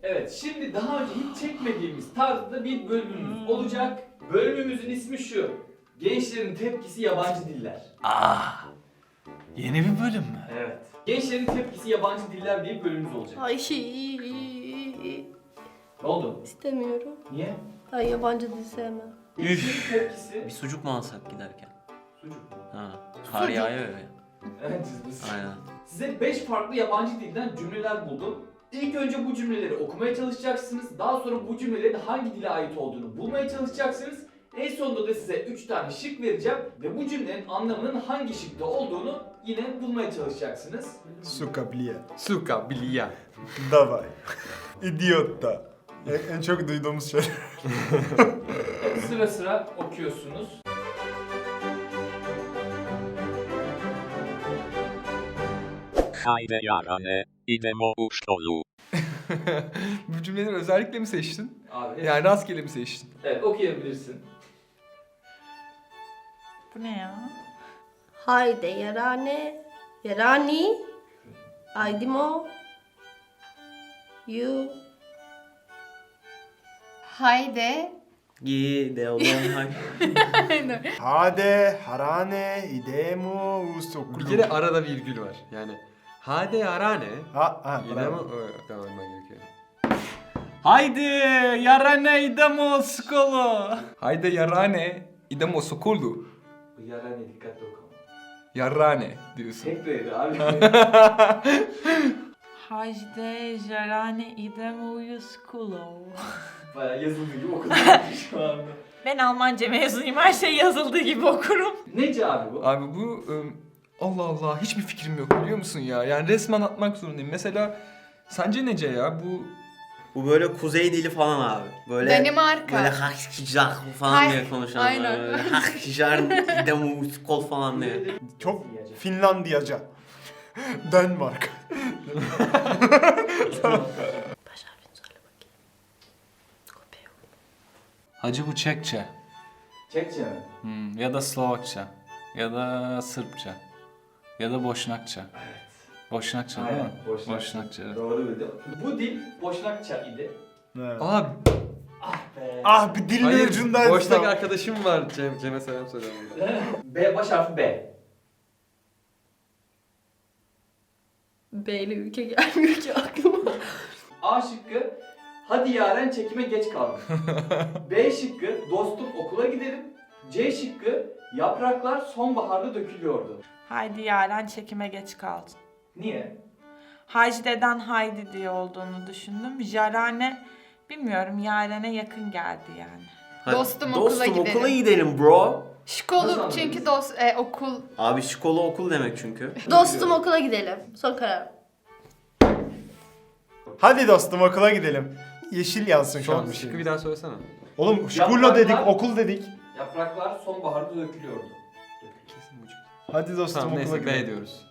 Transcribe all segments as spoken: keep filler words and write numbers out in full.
Evet, şimdi daha önce hiç çekmediğimiz tarzda bir bölümümüz olacak. Bölümümüzün ismi şu. Gençlerin tepkisi yabancı diller. Ah. Yeni bir bölüm mü? Evet. Gençlerin tepkisi yabancı diller diye bir bölümümüz olacak. Ay Ne oldu? istemiyorum. Niye? Ben yabancı dil sevmem. Gençlerin tepkisi... Bir sucuk mu alsak giderken? Sucuk mu? Ha. Kar yağıyor ya. Evet, cızbız. Aynen. Size beş farklı yabancı dilden cümleler buldum. İlk önce bu cümleleri okumaya çalışacaksınız. Daha sonra bu cümlelerin hangi dile ait olduğunu bulmaya çalışacaksınız. En sonunda da size üç tane şık vereceğim ve bu cümlenin anlamının hangi şıkta olduğunu yine bulmaya çalışacaksınız. Suka blia. Suka bilia. Davay. İdiot da. En, en çok duyduğumuz şey. Evet, sıra sıra okuyorsunuz. Haydi yarane, idemo u szkolu. Bu cümleleri özellikle mi seçtin? Abi, Yani rastgele mi seçtin? evet, okuyabilirsin. Bu ne ya? Haydi yarane. Yarani. Aydimo. You. Haydi. Gidelim hay. Hade, harane, idemo, usokulu. Bir kere arada virgül var. Yani hadi arane. Ha, ha, Yine mi? bravo. Tamam ben gerekiyor. Haydi yarane idemo skolu. Haydi yarane idemo skolu. Bu yarane dikkatli oku. Yarane diyorsun. Tek dedi abi. Hajde jarane idemu skulo. Bayağı yazıldığı gibi okudum şu anda. Ben Almanca mezunuyum. Her şey yazıldığı gibi okurum. Nece abi bu? Abi bu ım, Allah Allah hiçbir fikrim yok biliyor musun ya? Yani resmen atmak zorundayım. Mesela sence nece ya bu? Bu böyle kuzey dili falan abi. Böyle Danimarka. Böyle hakşijak falan Hay- diye konuşanlar. aynen. Böyle hakşijar idemo skol falan diye. Çok Finlandiyaca. Denmark. Baş harfini söyle bakayım. Kopya. Hacı bu Çekçe. Çekçe mi? Hmm, ya da Slovakça. Ya da Sırpça. Ya da Boşnakça. Evet. Boşnakça değil mi? Boşnakça. Boşnakça. Evet. Doğru bildim. Bu dil Boşnakça idi. Evet. Abi Ah be. Ah bir dilin ucundan. Boşnak arkadaşım var Cem, Cem'e selam söylüyorum. B, baş harfi B. B'li ülke gelmiyor ki aklıma. A şıkkı, hadi yaren çekime geç kaldım. B şıkkı, dostum okula gidelim. C şıkkı, yapraklar sonbaharda dökülüyordu. Haydi Yaren çekime geç kaldın. Niye? Hajde'den Haydi diye olduğunu düşündüm. Jarane bilmiyorum Yaren'e yakın geldi yani. Hadi, Dostum, okula dostum, gidelim. okula gidelim bro. Nasıl Şkolu anladınız? çünkü dost e, okul. Abi şkolu okul demek çünkü. Dostum okula gidelim. Son karar. Hadi dostum okula gidelim. Yeşil yansın şu an Son bir şey. şıkkı bir daha söylesene. Oğlum şkulla dedik, okul dedik. Yapraklar sonbaharda dökülüyordu. Kesin buçuk. Hadi dostum Tamam okula neyse B gidelim. diyoruz.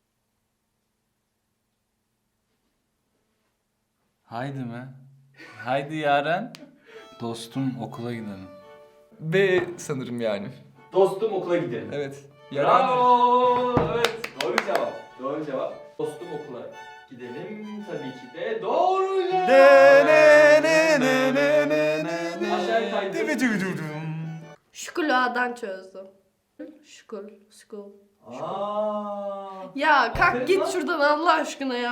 haydi mi? Haydi Yaren. Dostum okula gidelim. B sanırım yani. Dostum okula gidelim. Evet. Yarane. Bravo! Evet, doğru cevap. Doğru cevap. Dostum okula gidelim tabii ki de doğru cevap. Ne ne ne ne ne ne ne ne. Aşağıya kaydır. Divi divi divi divi. Şukulu A'dan çözdüm. Şukul, şukul. Aa. Ya Aferin kalk git lan. şuradan Allah aşkına ya.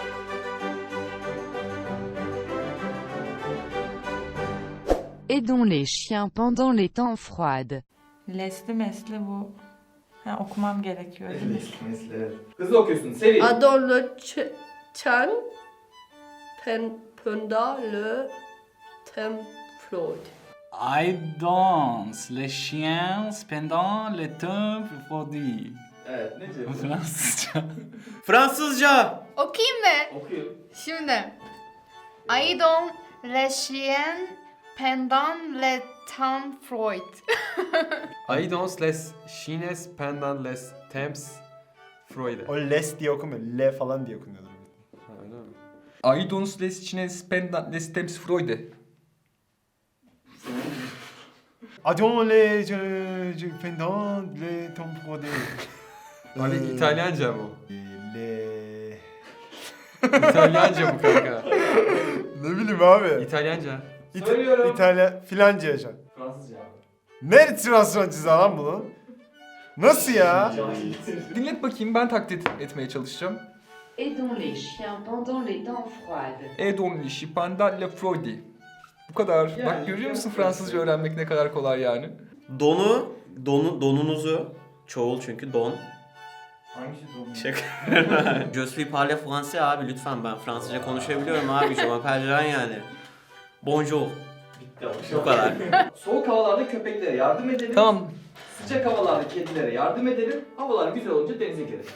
Aidons les chiens pendant les temps froides. Lesli mesli bu. Ha, okumam gerekiyor. değil mi? Nesli nesli evet. Hızlı okuyorsun. Seri. Adon le ç- chan pen penda le tem floyd. I danse les chiens pendant le temps froidi. Evet, ne Bu cevap? Fransızca. Fransızca. Okuyayım mı? Okuyorum. Şimdi. Aidon le chien pendant le temps Freud. Aidons les chines pendant les temps Freude. O les diye okumuyor. Le falan diye okunuyordur. Ha, öyle mi? I danse les chiens pendant le temps froidi. Adon le je je pendant le temps froide. Abi İtalyanca bu. Le İtalyanca bu kanka. Ne bileyim abi. İtalyanca. İta- Söylüyorum. İtalya, filanca yaşa. Fransızca abi. Ne Fransızcası lan bunun? Nasıl ya? Cahil. Dinlet bakayım, ben taklit etmeye çalışacağım. Et dont les chiens pendant les dents froides. Et on les chiens pendant le froid. Bu kadar. Yani, Bak görüyor musun biraz- Fransızca öğrenmek ne kadar kolay yani. Donu, donu, donunuzu, çoğul çünkü don. Hangisi doğru? Şaka. Je suis parle français abi lütfen, ben Fransızca konuşabiliyorum abi. Je m'appelle Jean yani. Bonjour. Bitti abi. Bu kadar. Soğuk havalarda köpeklere yardım edelim. Tamam. Sıcak havalarda kedilere yardım edelim. Havalar güzel olunca denize girelim.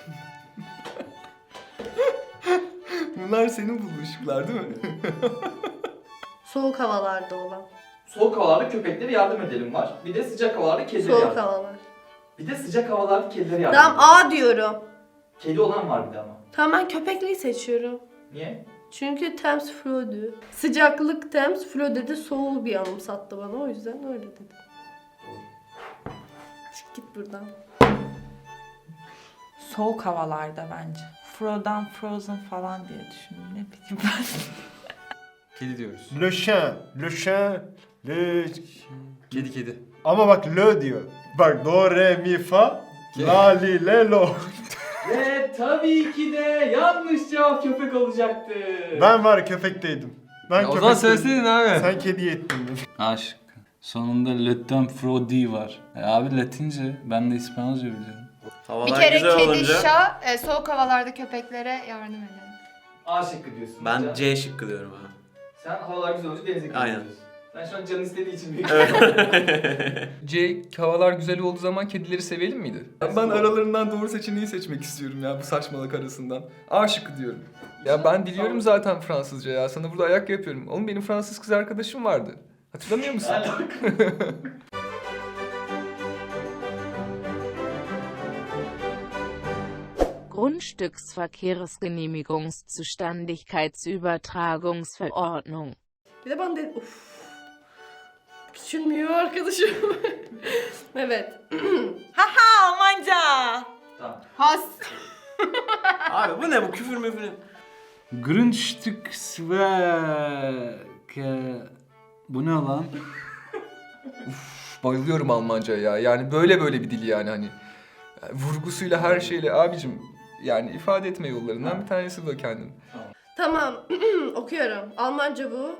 Bunlar senin bulduğun şıklar değil mi? Soğuk havalarda olan. Soğuk havalarda köpeklere yardım edelim var. Bir de sıcak havalarda kedilere Soğuk yardım. havalar. Bir de sıcak havalarda kedilere yardım. Tamam edelim. A diyorum. Kedi olan var bir de ama. Tamam ben köpekliği seçiyorum. Niye? Çünkü Thames Flood'u. Sıcaklık Thames Flood dedi, soğuğu bir anımsattı bana, o yüzden öyle dedim. Çık git buradan. Soğuk havalarda bence. Frozen Frozen falan diye düşündüm. Ne bileyim ben. Kedi diyoruz. Le chien, le chien, le... Kedi kedi. Ama bak le diyor. Bak do, re, mi, fa, la, li, le, lo. Ve tabii ki de yanlış cevap köpek olacaktı. Ben var köpekteydim. Ben Ya o zaman söyleseydin abi. Sen kediye ettin beni. Aşk. Sonunda Le Temps Frodi var. E abi Latince. Ben de İspanyolca biliyorum. Havalar Bir kere güzel kedi, olunca şa, e, soğuk havalarda köpeklere yardım edelim. A şıkkı diyorsun. ben Can. C şıkkı diyorum abi. Sen havalar güzel olunca denize girelim Aynen. diyorsun. Sen şu an canın istediği için büyük. C, havalar güzel olduğu zaman kedileri sevelim miydi? Ben, ben aralarından doğru seçeneği seçmek istiyorum ya bu saçmalık arasından. A şıkkı diyorum. Ya ben biliyorum zaten Fransızca ya. Sana burada ayak yapıyorum. Oğlum benim Fransız kız arkadaşım vardı. Hatırlamıyor musun? Grundstücksverkehrsgenehmigungszuständigkeitsübertragungsverordnung. Bir de ben de uff. Küçülmüyor arkadaşım. Evet. Haha Almanca. Tamam. Has. Abi bu ne, bu küfür müfür? Grundstücksverke... Bu ne lan? Uf, bayılıyorum Almanca'ya ya. Yani böyle böyle bir dil yani hani. Yani vurgusuyla her şeyle abicim. Yani ifade etme yollarından bir tanesi bu kendini. Tamam. Okuyorum. Almanca bu.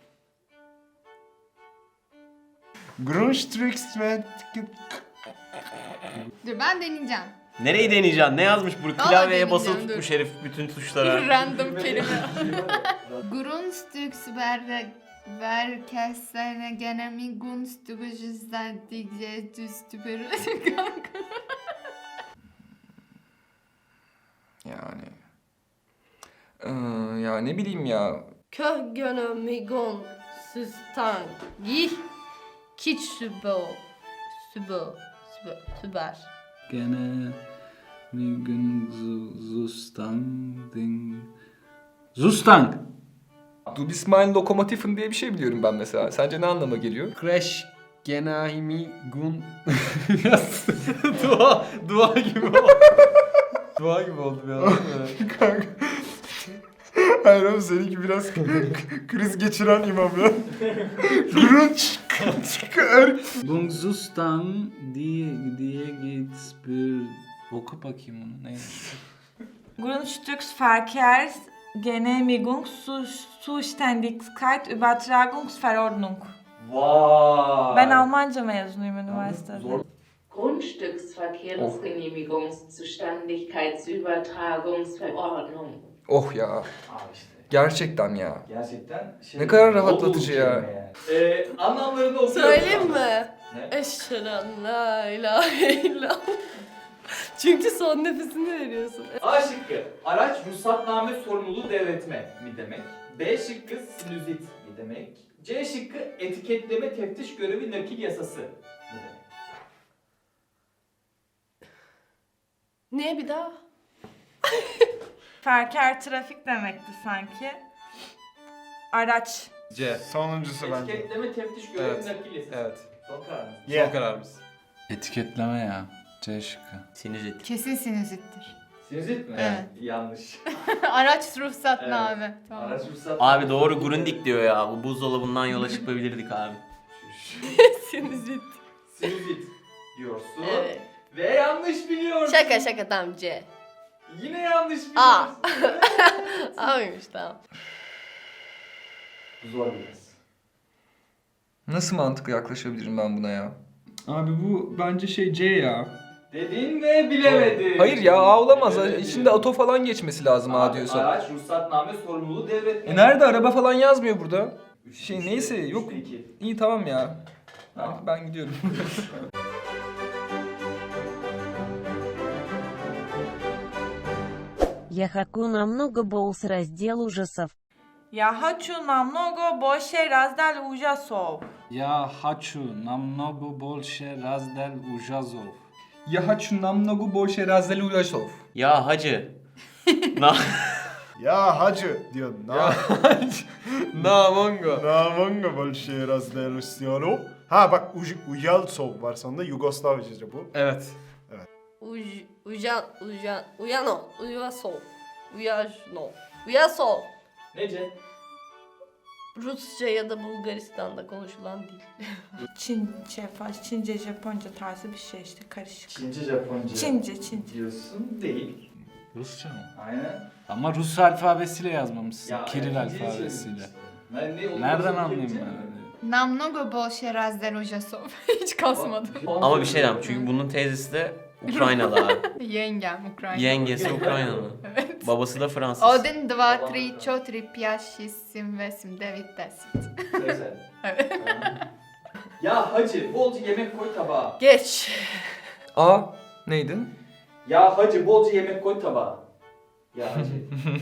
Grundstücksverk... Dur ben deneyeceğim. Nereyi deneyeceksin? Ne yazmış bu? Vallahi Klavyeye basılı deneyeceğim, tutmuş herif bütün tuşlara. Random kelime. Grundstücksverkehrsgenehmigungszuständigkeitsübertragungsverordnung. Yani. Ee, ya ne bileyim ya. Köhgönömigon süstangi kiç sübo sübo sübo süber. Gene... Migun Zustang... Zustang! Du bist mein Lokomotiven diye bir şey biliyorum ben mesela. Sence ne anlama geliyor? Crash Genahimi Gun... dua, dua gibi oldu. Dua gibi oldu bir anda. Kanka. Hayır oğlum seninki biraz kriz geçiren imam ya. Grundstücksverk... Gungsustan diye diye geht's bir... Oku bakayım onu neymiş? Grundstücksverkehrsgenehmigungszuständigkeitsübertragungsverordnung. Vay. Ben Almanca mezunuyum üniversitede. Zor. Grundstücksverkehrsgenehmigungszuständigkeitsübertragungsverordnung. Oh ya. Abi işte. Gerçekten ya. Gerçekten şey. Ne kadar dolu rahatlatıcı dolu ya. kelime yani. Ee, anlamlarını okuyorum. Söyleyeyim mi? Ne? Eşhedü la ilahe illallah. Çünkü son nefesini veriyorsun. A şıkkı. Araç ruhsatname sorumluluğu devretme mi demek? B şıkkı sinüzit mi demek? C şıkkı etiketleme teftiş görevi nakil yasası mı demek? Ne bir daha? Verkehr trafik demekti sanki. Araç. C. Sonuncusu bence. Etiketleme teftiş görevi Evet. nakil yasası. Evet. Son kararınız. Yeah. Son kararımız. Etiketleme ya. C şıkkı. Sinüzit. Kesin sinüzittir. Sinüzit mi? Evet. Yanlış. Araç ruhsatname. Tamam. Araç ruhsat. Abi doğru Grundig diyor ya. Bu buzdolabından yola çıkabilirdik abi. Sinüzit. Sinüzit diyorsun. Evet. Ve yanlış biliyorsun. Şaka şaka tamam C. Yine yanlış biliyorsun. A. A'ymış tamam. Zor biraz. Nasıl mantıklı yaklaşabilirim ben buna ya? Abi bu bence şey C ya. Dedin ve bilemedin. Hayır ya A olamaz. Bilemedin. İçinde ato falan geçmesi lazım A Abi, diyorsan. Araç ruhsatname sorumluluğu devretme. E nerede araba falan yazmıyor burada. Üç- Şey üçte- neyse üçte yok. iki. İyi tamam ya. Tamam. Ben, ben gidiyorum. Я хочу намного больше раздел ужасов. Я хочу намного больше раздел ужасов. Я хочу намного больше раздел ужасов. Ya haçu namnogu bolşe razzel ulaşov. Ya hacı. Na Ya hacı diyor. Na, Na mongo. na mongo bolşe razdelusyonu. Ha bak Uj, Uyalsov var sonunda Yugoslavyaca bu. Evet. Uj, ujan, ujan, uyano, uyasol, uyajno, uyasol. Nece? Rusça ya da Bulgaristan'da konuşulan dil. Çince, Fa- Çince, Japonca tarzı bir şey işte karışık. Çince, Japonca. Çince, Çince. Diyorsun değil. Rusça mı? Aynen. Ama Rus alfabesiyle yazmamışsın. Ya, Kiril yani İngilizce alfabesiyle. çevirmişsin. Ben ne olduğunu Nereden söyleyeyim anlayayım canım. ben? Namnogo bolşe razder ujasov. Hiç kasmadım. Ama bir şey diyeyim çünkü bunun teyzesi de Ukraynalı abi. Yengem Ukrayna. Yengesi Ukraynalı. Evet. Babası da Fransız. Один, два, три, чотири, п'ять, шість, сім, вісім, дев'ять, десять. Neyse. Evet. Ya hacı bolca yemek koy tabağa. Geç. A neydi? Ya hacı bolca yemek koy tabağa. Ya hacı.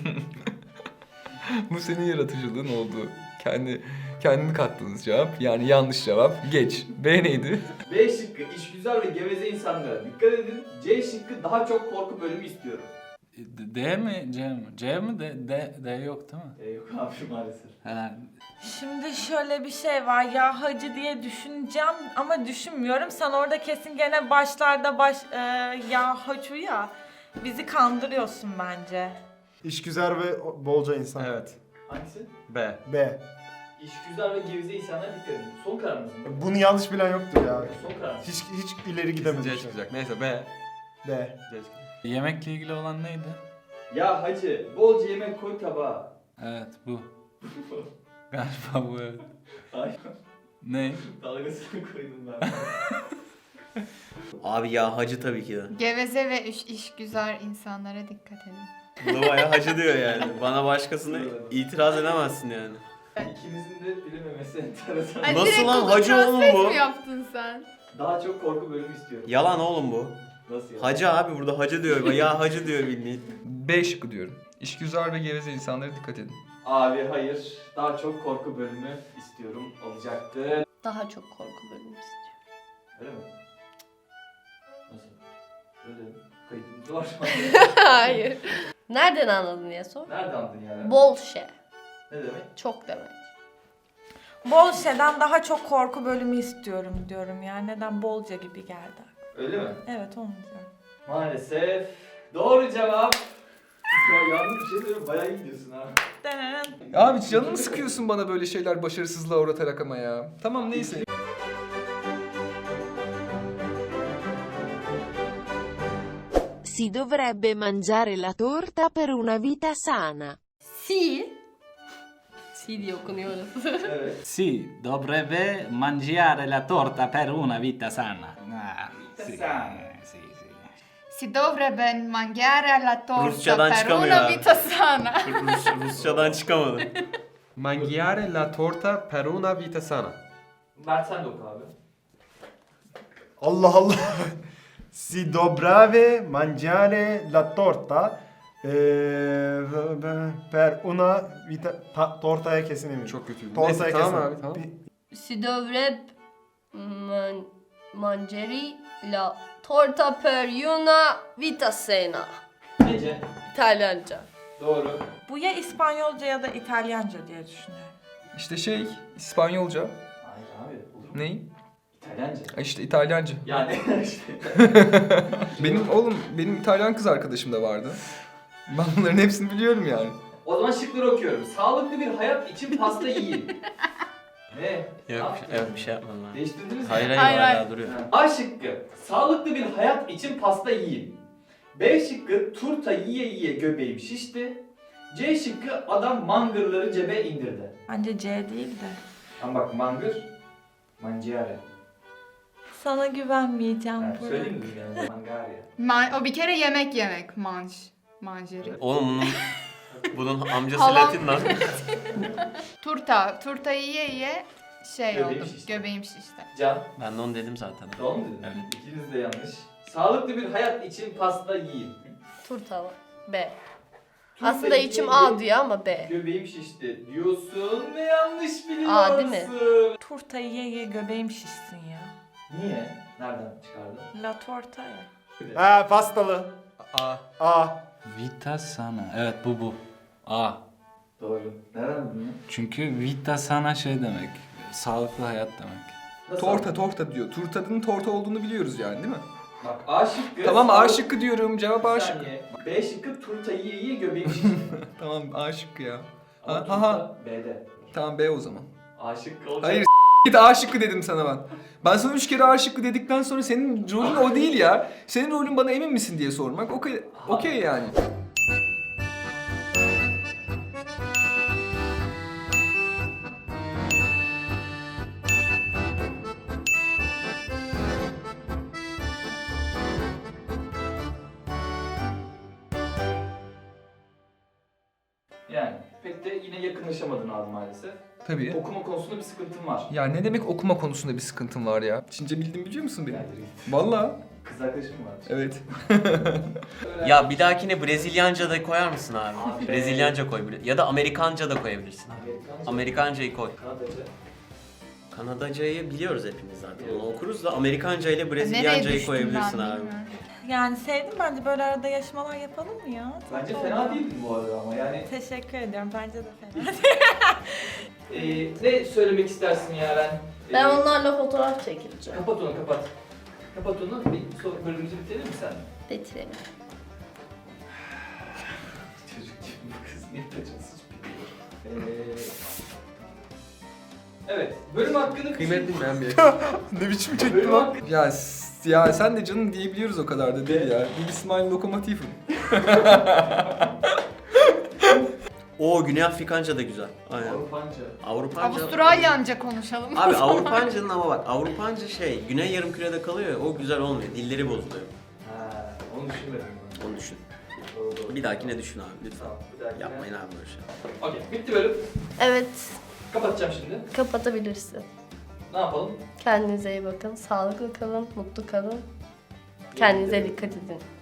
Bu senin yaratıcılığın oldu. Kendi kendini kattığınız cevap. Yani yanlış cevap. Geç. B neydi? B şıkkı işgüzar ve geveze insanlara dikkat edin. C şıkkı daha çok korku bölümü istiyorum. D, D mi C mi? C mi D, D, D yok değil mi? E, yok abi maalesef. Ha, Şimdi şöyle bir şey var. Ya hacı diye düşüneceğim ama düşünmüyorum. Sen orada kesin gene başlarda baş e, ya hacı ya. Bizi kandırıyorsun bence. İşgüzar ve bolca insan. Evet. Hangisi? B. B. İşgüzar ve geveze insanlara dikkat edin. Son kararınız mı? Bunu yanlış bilen yoktur ya. Son kararınız. Hiç hiç ileri C gidemedik. çıkacak. Neyse B. B. C çıkacak. yemekle ilgili olan neydi? Ya hacı bolca yemek koy tabağa. Evet bu. Galiba bu evet. Hayır. Ne? Dalgasını koydum ben. Abi ya hacı tabii ki de. Geveze ve iş, işgüzar insanlara dikkat edin. Bu da bayağı hacı diyor yani. Bana başkasını itiraz edemezsin yani. İkinizin de bilememesi enteresan. Ay, Nasıl direkt lan? Google Hacı oğlum Translate bu. mi yaptın sen? Daha çok korku bölümü istiyorum. Yalan oğlum bu. Nasıl ya? Hacı abi burada hacı diyor. Ya hacı diyor bildiğin. B şıkkı diyorum. İşgüzar ve geveze insanlara dikkat edin. Abi hayır. Daha çok korku bölümü istiyorum. Olacaktı. Daha çok korku bölümü istiyorum. Öyle mi? Nasıl? Öyle kaydımız var şu an. Hayır. Nereden anladın diye sor. Nerede andın yani? Bolşe. Ne demek? Çok demek. Bolşe'den daha çok korku bölümü istiyorum diyorum yani. Neden bolca gibi geldi? Öyle mi? Evet onu diyorum. Maalesef. Doğru cevap. Ya yalnız bir şey söyleyeyim. Bayağı iyi gidiyorsun ha. Denenen. Abi canımı sıkıyorsun bana böyle şeyler başarısızlığa uğratarak ama ya. Tamam neyse. Si dovrebbe mangiare la torta per una vita sana. Si. Si diye okunuyor orası. Evet. Si dovrebbe mangiare la torta per una vita sana. Ah, sì, Sana. sì, sì. Si dovrebbe mangiare la torta Rusçadan per çıkamıyor una abi. vita sana. Rus, Rusçadan çıkamadı. Mangiare la torta per una vita sana. Mert sen de oku abi. Allah Allah. Si dobrave mangiare la torta eh, per una vita ta, tortaya kesin eminim. Çok kötüydü. Tortaya Neyse kesin. tamam abi tamam. Bir- Si dovrebbe man, mangiare la torta per una vita sana. Nece? İtalyanca. Doğru. Bu ya İspanyolca ya da İtalyanca diye düşünüyorum. İşte şey İspanyolca. Hayır abi. Olur mu? Ney? İtalyanca. İtalyanca. E İşte İtalyanca. Yani işte. Benim oğlum, benim İtalyan kız arkadaşım da vardı. Ben bunların hepsini biliyorum yani. O zaman şıkları okuyorum. Sağlıklı bir hayat için pasta yiyin. Ne? Ne Yok, yaptın? evet bir şey yapmadım ben. Değiştirdiniz mi? Hayır hayır, Hayır, hala hayır. duruyor. Ha. A şıkkı. Sağlıklı bir hayat için pasta yiyin. B şıkkı. Turta yiye yiye göbeğim şişti. C şıkkı. Adam mangırları cebe indirdi. Bence C değil de. Ama bak mangır. Mangiare. Sana güvenmeyeceğim Ha, Burak. söyleyeyim mi yani? Mangaria. Man- o bir kere yemek yemek. Manj. Manjeri. Oğlum bunun, bunun amcası Halam. Latin lan. Turta. Turta yiye yiye şey Göbeğim oldu. şişti. Göbeğim şişti. Can. Ben de onu dedim zaten. Doğru mu dedin? Evet. İkiniz de yanlış. Sağlıklı bir hayat için pasta yiyin. Turta B. Turta Aslında yiye içim yiye A diyor ama B. Göbeğim şişti diyorsun ve yanlış biliyorsun. A değil mi? Turta ye ye göbeğim şişsin ya. Niye? Nereden çıkardın? La torta ya. Ha pastalı. A. A. Vita sana. Evet bu bu. A. Doğru. Nereden bildin? Çünkü vita sana şey demek. Sağlıklı hayat demek. Nasıl? Torta torta diyor. Turtanın torta olduğunu biliyoruz yani değil mi? Bak A şıkkı. Tamam A sağlık- şıkkı diyorum. Cevap A Bir şıkkı. saniye. B şıkkı turta yiye yiye göbeğim şişti. Tamam A şıkkı ya. Ama Ha, turta ha. B'de. Tamam B o zaman. A şıkkı olacak. Hayır git A şıkkı dedim sana ben. Ben sana üç kere A şıkkı dedikten sonra senin rolün o değil ya. Senin rolün bana emin misin diye sormak. Okey okey yani. Yani pek de yine yakınlaşamadın abi maalesef. Tabii. Okuma konusunda bir sıkıntın var. Ya ne demek okuma konusunda bir sıkıntım var ya? Çince bildim biliyor musun beni? Yani Vallahi. kız arkadaşım var. Evet. Ya bir dahakine Brezilyanca da koyar mısın abi? Abi. Brezilyanca koy. Ya da Amerikanca da koyabilirsin. Amerikanca. Amerikancayı koy. Kanadaca. Kanadacayı biliyoruz hepimiz zaten. Onu okuruz da Amerikanca ile Nereye Brezilyancayı düştüm koyabilirsin ben abi. bilmiyorum. Yani sevdim bence böyle arada yaşamalar yapalım mı ya? Bence Tatlı fena oldu. değildi bu arada ama yani. Teşekkür ediyorum. Bence de fena. Ee, ne söylemek istersin Yaren? Ee, Ben onlarla fotoğraf çekileceğim. Kapat onu kapat. Kapat onu. Bir son bölümümüzü bitirelim mi sen? Bitirelim. Çocuk gibi bu kız niye kaçınsız biliyor. Ee, evet. Bölüm hakkını Kıymet bilmeyen bir Ne biçim çekti Bölüm lan? hakkı... Ya s- ya sen de canım diyebiliyoruz o kadar da değil ya. Bir İsmail lokomotifim. Oo Güney Afrikanca da güzel. Aynen. Avrupanca. Avrupanca. Avustralyanca konuşalım. Abi Avrupanca'nın ama bak Avrupanca şey Güney Yarımküre'de kalıyor ya o güzel olmuyor. Dilleri bozuluyor. Ha, onu düşünmedim ben. Onu düşün. Doğru doğru. Bir dahakine düşün abi lütfen. Tamam, bir dahakine. Yapmayın abi böyle şey. Okey, bitti bölüm. Evet, Kapatacağım şimdi. kapatabilirsin. Ne yapalım? Kendinize iyi bakın. Sağlıklı kalın, mutlu kalın. Kendinize dikkat edin.